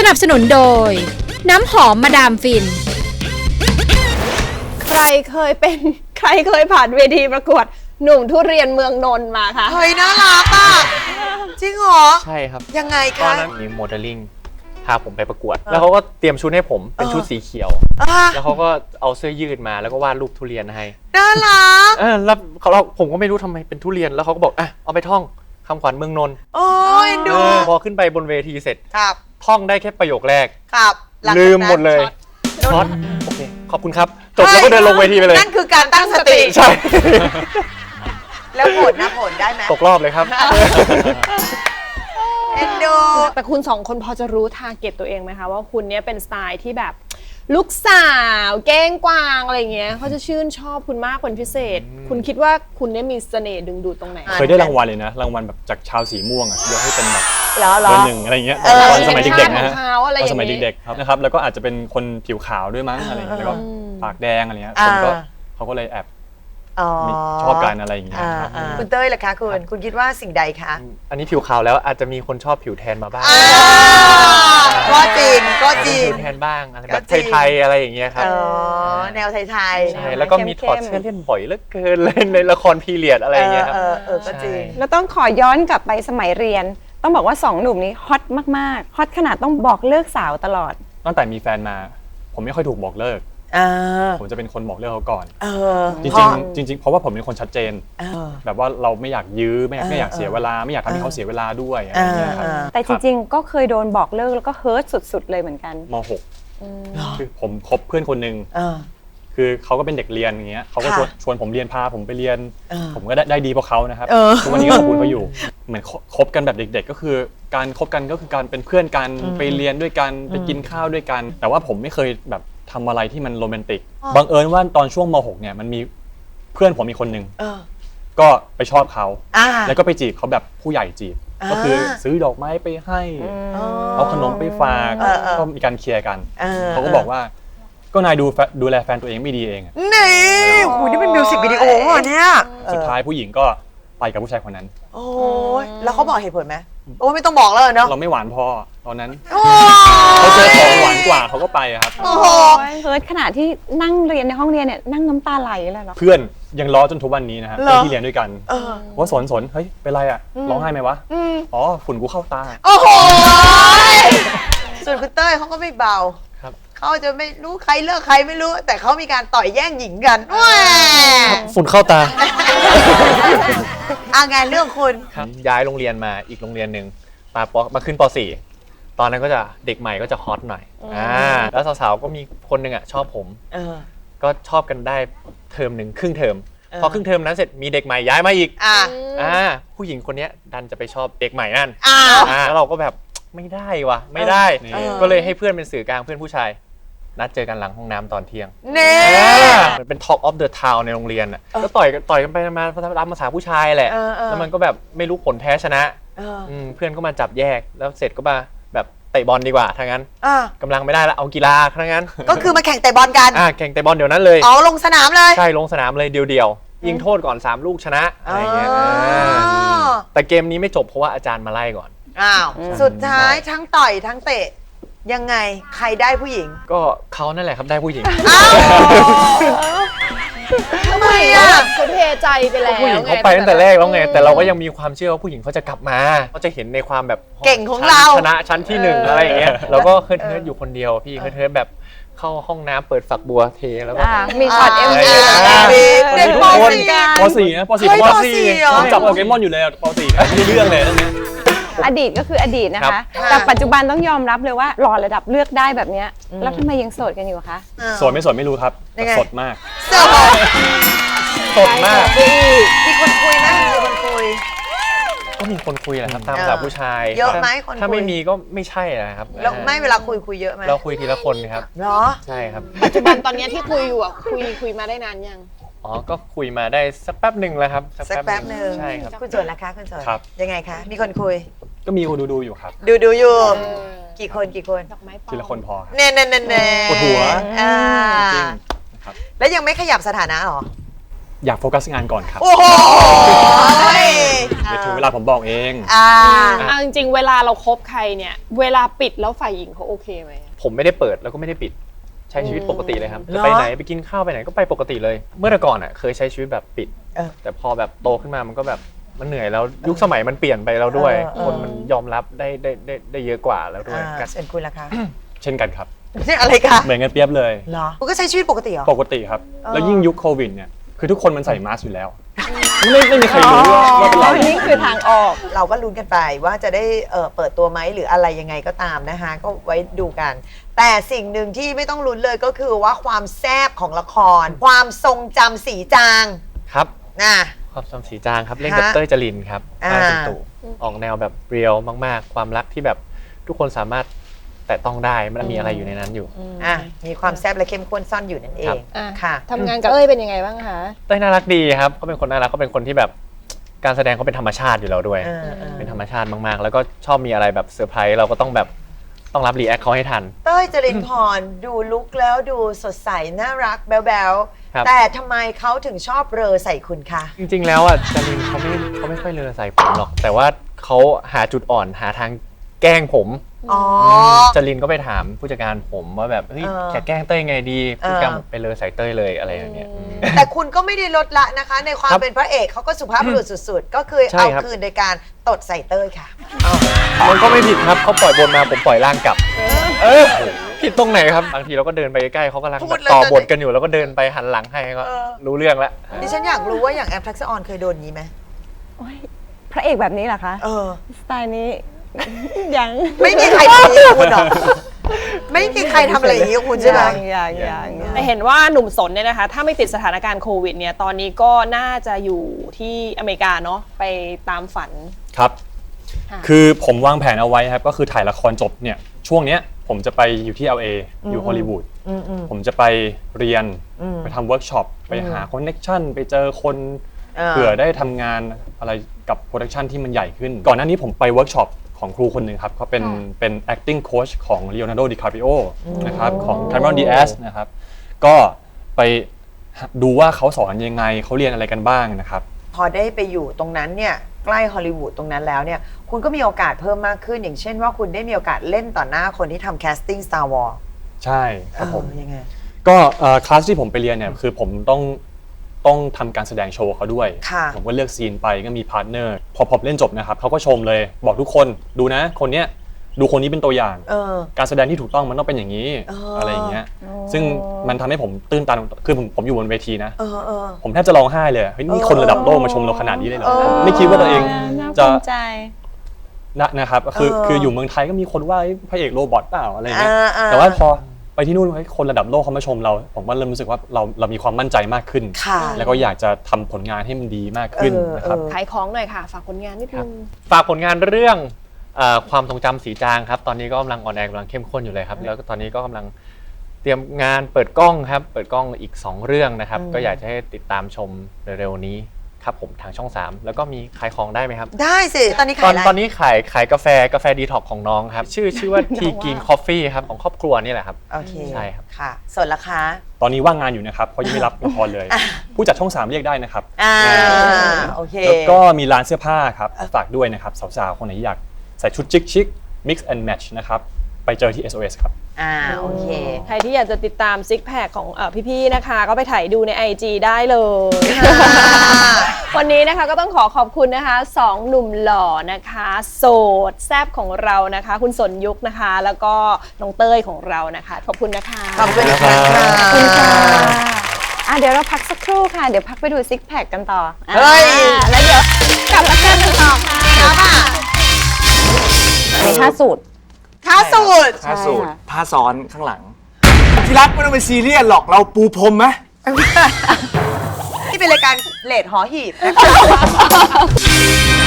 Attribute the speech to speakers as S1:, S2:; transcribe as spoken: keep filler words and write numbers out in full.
S1: นับสนุนโดยน้ำหอมมาดามฟิน
S2: ใครเคยเป็นใครเคยผ่านเวทีประกวดหนุ่มทุเรียนเมืองนนท์มาคะ
S3: เฮ้ยน่ารักอ่ะจริงเหรอ
S4: ใช่ครับ
S3: ยังไงคะ
S4: ตอนนั้นมีโมเดลลิ่งพาผมไปประกวดแล้วเขาก็เตรียมชุดให้ผมเป็นชุดสีเขียวแล้วเขาก็เอาเสื้อยืดมาแล้วก็วาดรูปทุเรียนให้
S3: น่ารัก
S4: เออแล้วเขาเราผมก็ไม่รู้ทำไมเป็นทุเรียนแล้วเขาก็บอกอ่ะเอาไปท่องคำขวัญเมืองนนท์
S3: โอ้ยดู
S4: พอขึ้นไปบนเวทีเสร็จ
S3: ครับ
S4: ท่องได้แค่ประโยคแรก
S3: ครับ
S4: ลืมหมดเลยช็อตโอเคขอบคุณครับจบแล้วก็เดินลงเวทีไปเลย
S3: นั่นคือการตั้งสติ
S4: ใช่
S3: แล้วผลนะผลได้ไหม
S4: ตกรอบเลยครับ
S3: เอ็นดู
S2: แต่คุณสองคนพอจะรู้ทาร์เก็ตตัวเองไหมคะว่าคุณเนี้ยเป็นสไตล์ที่แบบลูกสาวเก้งกวางอะไรเงี้ยเขาจะชื่นชอบคุณมากเป็นพิเศษคุณคิดว่าคุณเนี้ยมีเสน่ห์ดึงดูดตรงไหน
S5: เคยได้รางวัลเลยนะรางวัลแบบจากชาวสีม่วงอ่ะยกให้เป็นแบบเบอร์หนึ่งอะไรเงี้ยตอนสมัยเด็กๆนะฮะตอนสมัยเด็กๆครับนะครับแล้วก็อาจจะเป็นคนผิวขาวด้วยมั้งอะไรเงี้ยแล้วก็ปากแดงอะไรเงี้ยคนก็เขาก็เลยแอบชอบกันอะไรอย่างเงี้ย
S3: คุณเต้ยล่ะคะคุณคุณคิดว่าสิ่งใดคะ
S4: อันนี้ผิวขาวแล้วอาจจะมีคนชอบผิวแทนมาบ้าง
S3: ก็จริงก็จริง
S4: ผิวแทนบ้างอะไรแบบไทยๆอะไรอย่างเงี้ยครับ
S3: แนวไทย
S4: ๆใช่แล้วก็มีถอดเสื้อเล่นบ่อยเหลือเกินเลยในละครพีเรียดอะไรอย่างเงี้ยครับ
S3: เออเออก็จริง
S6: แล้วต้องขอย้อนกลับไปสมัยเรียนต้องบอกว่าสองหนุ่มนี้ฮอตมากๆฮอตขนาดต้องบอกเลิกสาวตลอด
S5: ตั้งแต่มีแฟนมาผมไม่ค่อยถูกบอกเลิกผมจะเป็นคนบอกเลิกเขาก่อนจริงจริงจริงเพราะว่าผมเป็นคนชัดเจนแบบว่าเราไม่อยากยื้อไม่อยากไม่อยากเสียเวลาไม่อยากทำให้เขาเสียเวลาด้วยอะไรอย่างเงี้ยครับ
S6: แต่จริงๆก็เคยโดนบอกเลิกแล้วก็เฮิร์ตสุดๆเลยเหมือนกัน
S5: ม.หกคือผมคบเพื่อนคนหนึ่งคือเขาก็เป็นเด็กเรียนอย่างเงี้ยเขาก็ชวนชวนผมเรียนพาผมไปเรียนผมก็ได้ได้ดีเพราะเขานะครับทุกวันนี้ก็ขอบคุณเขาอยู่เหมือนคบกันแบบเด็กๆก็คือการคบกันก็คือการเป็นเพื่อนกันไปเรียนด้วยกันไปกินข้าวด้วยกันแต่ว่าผมไม่เคยแบบทำอะไรที่มันโรแมนติกบังเอิญว่าตอนช่วงม.หกเนี่ยมันมีเพื่อนผมมีคนหนึ่งก็ไปชอบเขาแล้วก็ไปจีบเขาแบบผู้ใหญ่จีบก็คือซื้อดอกไม้ไปให้เอาขนมไปฝากก็มีการเคลียร์กันเขาก็บอกว่าก็นายดูดูแลแฟนตัวเองไม่ดีเอง
S3: นี่โหนี่เป็นมิวสิกวิดีโอเนี่ย
S5: สุดท้ายผู้หญิงก็ไปกับผู้ชายคนนั้น
S3: โอ้ยแล้วเขาบอกเหตุผลไหมโอ้ไม่ต้องบอกแล้วเนาะ
S5: เราไม่หวานพอตอนนั้นเขาเจอของหวานกว่าเขาก็ไปครับ
S6: โอ้โหเฮิร์ตขนาดที่นั่งเรียนในห้องเรียนเนี่ยนั่งน้ำตาไหลเลยเหรอ
S5: เพื่อนยังล้อจนทุกวันนี้นะฮะที่เรียนด้วยกันว่าสนสนเฮ้ยเป็นไรอ่ะร้องไห้ไหมวะอ๋อฝุ่นกูเข้าตา
S3: โอ้โหส่วนคุณเต้ยเขาก็ไม่เบาเขาจะไม่รู้ใครเลิกใครไม่รู้แต่เขามีการต่อยแย่งหญิงกัน
S4: ฝุ่นเข้าตา
S3: อางานเรื่องคุณ
S4: ย้ายโรงเรียนมาอีกโรงเรียนหนึ่งมาปมาขึ้นป .สี่ ตอนนั้นก็จะเด็กใหม่ก็จะฮอตหน่อยอ่าแล้วสาวๆก็มีคนหนึ่งอ่ะชอบผมก็ชอบกันได้เทอมหนึ่งครึ่งเทอมพอครึ่งเทอมนั้นเสร็จมีเด็กใหม่ย้ายมาอีกอ่าอ่าผู้หญิงคนนี้ดันจะไปชอบเด็กใหม่นั่นอ่าแล้วเราก็แบบไม่ได้วะไม่ได้ก็เลยให้เพื่อนเป็นสื่อกลางเพื่อนผู้ชายนัดเจอกันหลังห้องน้ำตอนเที่ยง
S3: เน่
S4: มันเป็น Talk of the Town ในโรงเรียนอ่ะก็ต่อยต่อยกันไปมาตามภาษาผู้ชายแหละแล้วมันก็แบบไม่รู้ผลแพ้ชนะเพื่อนก็มาจับแยกแล้วเสร็จก็มาแบบเตะบอลดีกว่าทั้งนั้นกำลังไม่ได้แล้วเอากีฬาทั้งนั้น
S3: ก็คือมาแข่งเตะบอลกัน
S4: แข่งเตะบอลเดี๋ยวนั้นเลย
S3: อ๋อลงสนามเลย
S4: ใช่ลงสนามเลยเดียวๆยิงโทษก่อนสามลูกชนะอะไรเงี้ยแต่เกมนี้ไม่จบเพราะว่าอาจารย์มาไล่ก่อน
S3: อ้าวสุดท้ายทั้งต่อยทั้งเตะยังไงใครได้ผู้หญิง
S4: ก็เขานั่นแหละครับได้ผู้หญิง
S3: ทำไมอ่ะ
S2: เขาเทใจไปแล้ว
S4: ผู้หญิงเขาไปตั้งแต่แรกแล้วไงแต่เราก็ยังมีความเชื่อว่าผู้หญิงเขาจะกลับมาเขาจะเห็นในความแบบ
S3: เก่งของเรา
S4: ชนะชั้นที่หนึ่งอะไรอย่างเงี้ยเราก็เฮิร์ทเฮิร์ทอยู่คนเดียวพี่เฮิร์ทเฮิร์ทแบบเข้าห้องน้ำเปิดฝักบัวเทแล้วก็
S6: มีช็อตเอ็มวี
S3: เด็กป
S5: ป .สี่ นะป .สี่ ผมผมจับโปเกมอนอยู่เลยป .สี่ ไม่เรื่องเลยตรงนี้
S6: อดีตก็คืออดีตนะคะแต่ปัจจุบันต้องยอมรับเลยว่าหล่อระดับเลือกได้แบบนี้แล้วทำไมยังโสดกันอยู่คะ
S5: โสดไม่โสดไม่รู้ครับสดมาก
S4: สดมาก
S3: มีคนคุยไหมมีคนคุย
S4: ก็มีคนคุยแหละครับตามภาษาผู้ชาย
S3: เยอะไหมคน
S4: ถ้าไม่มีก็ไม่ใช่นะครับ
S3: แล้วไม่เวลาคุยคุยเยอะไหม
S4: เราคุยทีละคนครับ
S3: เหรอ
S4: ใช่ครับ
S2: ปัจจุบันตอนนี้ที่คุยอยู่อ่ะคุยคุยมาได้นานยัง
S4: อ๋อก็คุยมาได้สักแป๊บหนึ่งแล้วครับ
S3: สักแป๊บหนึ่ง
S4: ใช่ครับ
S3: คุณโจนนะคะคุณโจนยังไงคะมีคนคุย
S5: ก็มีคนดูดูอยู่ครับ
S3: ดูดูอยู่กี่คนกี่คน
S5: ทีละคนพอ
S3: เน่เน่เน่เน่
S5: ปวดหัว
S3: จริงแล้วยังไม่ขยับสถานะหรอ
S5: อยากโฟกัสงานก่อนครับ
S3: โอ้โห
S5: เดี๋ยวถึงเวลาลาผมบอกเอง
S3: อ่า
S2: เอาจริงๆเวลาเราคบใครเนี่ยเวลาปิดแล้วฝ่ายหญิงเขาโอเคไหม
S4: ผมไม่ได้เปิดแล้วก็ไม่ได้ปิดใช้ชีวิตปกติเลยครับ
S3: เหรอ
S4: จะไปไหนไปกินข้าวไปไหนก็ไปปกติเลย เมื่อแต่ก่อนอ่ะเคยใช้ชีวิตแบบปิด
S3: เออ
S4: แต่พอแบบโตขึ้นมามันก็แบบมันเหนื่อยแล้วยุคสมัยมันเปลี่ยนไปแล้วด้วย
S3: เออเออ
S4: คนมันยอมรับได้ได้ได้ได้เยอะกว่าแล้วด้วย
S3: อ่าส่วนคุณล่ะคะ
S5: เช่นกันครับ
S3: นี่อะไรคะ
S5: เหมือนกันเปรียบเลย
S3: เหรอคุณก็ใช้ชีวิตปกติเหรอ
S5: ปกติครับ
S3: เออ
S5: แล้วยิ่งยุคโควิดเนี่ยคือทุกคนมันใส่มาสก์อยู่แล้ว ไม่ไม่มีใครรู้ว่าว่าเป็นเรา
S6: นี่คือทางออก
S3: เราก็ลุ้นกันไปว่าจะได้เอ่อเปิดตัวไหมหรืออะไรยังไงก็ตามนะคะ ก็ไว้ดูกัน แต่สิ่งหนึ่งที่ไม่ต้องลุ้นเลยก็คือว่าความแซ่บของละคร ความทรงจำสีจาง
S4: ครับ
S3: นะ
S4: ความจำสีจางครับเล่นกับ
S3: ฮะ
S4: เต้ยจรินครับ
S3: อ่า
S4: อาตุตู่ออกแนวแบบเรียลมากๆ ความรักที่แบบทุกคนสามารถแตะต้องได้มันมีอะไรอยู่ในนั้นอยู่
S3: อ่ะมีความแซ่บและเข้มข้นซ่อนอยู่นั่นเอ
S4: ครั
S3: ง
S4: บ
S2: อ่ะ
S3: ค่ะ
S2: ทำงานกับเอ้ยเป็นยังไงบ้างคะ
S4: เต้ยน่ารักดีครับเขาเป็นคนน่ารักเขาเป็นคนที่แบบการแสดงเขาเป็นธรรมชาติอยู่แล้วด้วย
S3: เออเออ
S4: เป็นธรรมชาติมากๆ แล้วก็ชอบมีอะไรแบบเซอร์ไพรส์เราก็ต้องแบบต้องรับรีแอคเขาให้ทัน
S3: เต้ยจรินพร ดูลุกแล้วดูสดใส น่ารักแบ๊ว
S4: ครับ
S3: ๆแต่ทำไมเขาถึงชอบเรอใส่คุณคะ
S4: จริงๆแล้วอ่ะจรินเขาไม่เขาไม่ค่อยเลอใส่ผมหรอก แต่ว่าเขาหาจุดอ่อนหาทางแกล้งผม
S3: อ๋อ
S4: จรินก็ไปถามผู้จัดการผมว่าแบบเฮ้ย
S3: เออ
S4: จะแกล้งเต้ยไงดีผู้จัดการ
S3: เออ
S4: บอกไปเลอใส่เต้ยเลยอะไรอย่างเงี้ยอืม
S3: แต่คุณก็ไม่ได้ลดละนะคะ ในความ
S4: ครับ
S3: เป็นพระเอกเขาก็สุภาพบุรุษสุดๆ ก็คือ
S4: ใช่
S3: เอา
S4: ครับ
S3: คืนโดยการตดใส่เต้ยค่ะ
S4: มันก็ไม่ผิดครับเขาปล่อยบนมาผมปล่อยล่างกลับ เออผิดตรงไหนครับบางทีเราก็เดินไปใกล้ๆเขากำลัง
S3: พู
S4: แบ
S3: ด
S4: บ
S3: เลย
S4: ต่อ
S3: ตอนนี้
S4: บทกันอยู่แล้วก็เดินไปหันหลังให้ก็
S3: เออ
S4: รู้เรื่องแล้ว
S3: ดิฉันอยากรู้ว่าอย่างแอปทักษะออนเคยโดนอย่างนี้ไหม
S6: โอ๊ยพระเอกแบบนี้เหรอคะ
S3: เออ
S6: สไตล์นี้ ยัง
S3: ไม่มีใครทำอย่างนี้กับคุณหรอกไม่มีใครทำอะไรอย่างนี้กับคุณใช่ไหม
S6: ยังยังยังยัง
S2: แต่เห็นว่าหนุ่มสนเนี่ยนะคะ ถ้าไม่ติดสถานการณ์โควิดเนี่ยตอนนี้ก็น่าจะอยู่ที่อเมริกาเนาะไปตามฝัน
S5: ครับ
S2: ค่ะ
S5: คือผมวางแผนเอาไว้ครับ ก็คือถ่ายละครจบเนี่ยช่วงเนี้ยผมจะไปอยู่ที่ แอล เอ อยู่ฮอลลีวูด
S3: อืมอืม
S5: ผมจะไปเรียน
S3: อืม
S5: ไปทำเวิร์กช็อป ไปหาคอนเน็กชันไปเจอคน
S3: เออ
S5: เผื่อได้ทำงานอะไรกับโปรดักชันที่มันใหญ่ขึ้น ก่อนหน้านี้ผมไปเวิร์กช็อปของครูคนหนึ่งครับเขาเป็นเป็น acting coach ของ Leonardo DiCaprio นะครับของ Cameron Diaz นะครับก็ไปดูว่าเขาสอนยังไงเขาเรียนอะไรกันบ้างนะครับ
S3: พอได้ไปอยู่ตรงนั้นเนี่ยใกล้ฮอลลีวูดตรงนั้นแล้วเนี่ยคุณก็มีโอกาสเพิ่มมากขึ้น อย่างเช่นว่าคุณได้มีโอกาสเล่นต่อหน้าคนที่ทำแคสติ้ง Star Wars
S5: ใช่ครับผม
S3: เออยังไง
S5: ก็เอ่อคลาสที่ผมไปเรียนเนี่ยคือผมต้องต้องทำการแสดงโชว์เขาด้วย
S3: ค่ะ
S5: ผมก็เลือกซีนไปก็มีพาร์ทเนอร์พอผมเล่นจบนะครับเขาก็ชมเลยบอกทุกคนดูนะ คนเนี้ยดูคนนี้เป็นตัวอย่าง
S3: เออ
S5: การแสดงที่ถูกต้องมันต้องเป็นอย่างนี้
S3: เอออ
S5: อะไรอย่างเงี้ยซึ่งมันทำให้ผมตื้นตันคือผมผมอยู่บนเวทีนะ
S3: เออเออ
S5: ผมแทบจะร้องไห้เลยเฮ้ยนี่คนระดับโลกมาชมเราขนาดนี้เลยเหรอ
S3: เออ
S5: ผมไม่คิดว่าตัวเอง
S6: น่า
S5: จะ
S6: ภูมิใจ
S5: นะนะครับคือ
S3: เออ
S5: คืออยู่เมืองไทยก็มีคนว่าเอ้ยพระเอกโรบอทเปล่าอะไรอย่างเงี้ย
S3: อ่าอ่า
S5: แต่ว่าพอไปที่นู่นเฮ้ยคนระดับโลกเขามาชมเรา ผมก็เริ่มรู้สึกว่าเราเรามีความมั่นใจมากขึ้น
S3: ค่ะ
S5: แล้วก็อยากจะทำผลงานให้มันดีมากขึ้น
S3: เออ
S5: นะครับ
S3: เออ
S2: ขายของหน่อยค่ะ ฝากผลงานนิดนึง
S4: ฝากผลงานเรื่องเอ่อความทรงจำสีจางครับ ตอนนี้ก็กำลังออนแอร์กำลังเข้มข้นอยู่เลยครับ แล้วก็ตอนนี้ก็กำลังเตรียมงานเปิดกล้องครับ เปิดกล้องอีกสองเรื่องนะครับ ก็อยากจะให้ติดตามชมเร็วๆนี้ครับผมทางช่องสามแล้วก็มีขายของได้ไหมครับ
S3: ได้สิ ตอนนี้
S4: ต
S3: ขา
S4: อย น
S3: อะไร
S4: ตอนนี้ขายขายกาแฟกาแฟดีท็อกของน้องครับ ชื่อชื่อว่าทีกินคอฟฟี่ครับของครอบครัวนี่แหละครับ
S3: โอเค
S4: ใช่ครับ
S3: ค่ะ ส่วนราคา
S5: ตอนนี้ว่างงานอยู่นะครับเพราะยังไม่รับละครเลย ผู้จัดช่องสามเรียกได้นะครับ
S3: อ่า โอเค
S5: แล้วก็มีร้านเสื้อผ้าครับฝากด้วยนะครับสาวๆคนไหนอยากใส่ชุดชิคๆ mix and match นะครับไปเจอที่ เอส โอ เอส ครับ
S3: อ่า โอเค
S2: ใครที่อยากจะติดตามซิกแพคของเออพี่ๆนะคะ ก็ไปถ่ายดูใน ไอ จี ได้เลย วันนี้นะคะก็ต้องขอขอบคุณนะคะสองหนุ่มหล่อนะคะ โสดแซบของเรานะคะ คุณสนยุคนะคะ แล้วก็น้องเต้ยของเรานะคะ ขอบคุณนะคะ
S3: ขอบคุณค่ะ
S6: ขอบคุณค่ะอ่ะ เดี๋ยวเราพักสักครู่ค่ะ เดี๋ยวพักไปดูซิกแพคกันต่อ
S3: เฮ้ย
S6: อ่าแล้วเดี๋ยวกลับมาเจอกันต่อค่ะ
S3: ครับอ่ะ
S6: มีท่าสูตร
S3: ท้าสูตร
S7: ผ้าสูท
S6: ใช่ค่ะ
S7: ผ้าซ้อนข้างหลัง ที่รักไม่ต้องไปซีเรียสหรอกเราปูพรมไหม
S3: ที่เป็นรายการเลดหอหีบนะคะ